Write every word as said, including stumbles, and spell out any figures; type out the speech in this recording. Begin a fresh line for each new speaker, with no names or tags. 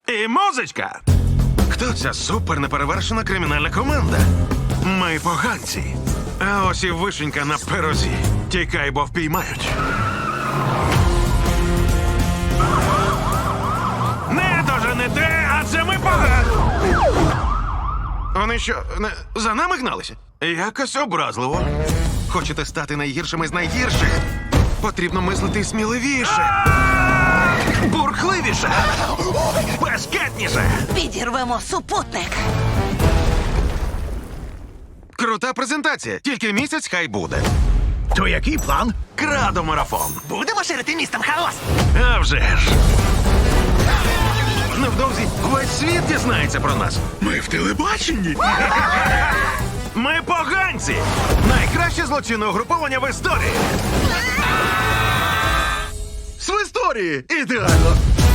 І музичка. Хто ця супер неперевершена кримінальна команда? Ми поганці. А ось і вишенька на пирозі. Тікай, бо впіймають. Не доженете, адже ми погані. Вони що, не, за нами гналися? Якось образливо. Хочете стати найгіршими з найгірших? Потрібно мислити сміливіше. Бурхливіше. Бешкетніше.
Підірвемо супутник.
Крута презентація. Тільки місяць хай буде.
То який план?
Крадо-марафон.
Будемо ширити містом хаос.
А вже ж. Невдовзі весь світ дізнається про нас.
Ми в телебаченні.
Ми поганці! Найкраще злочинне угруповання в історії!
В історії! Ідеально!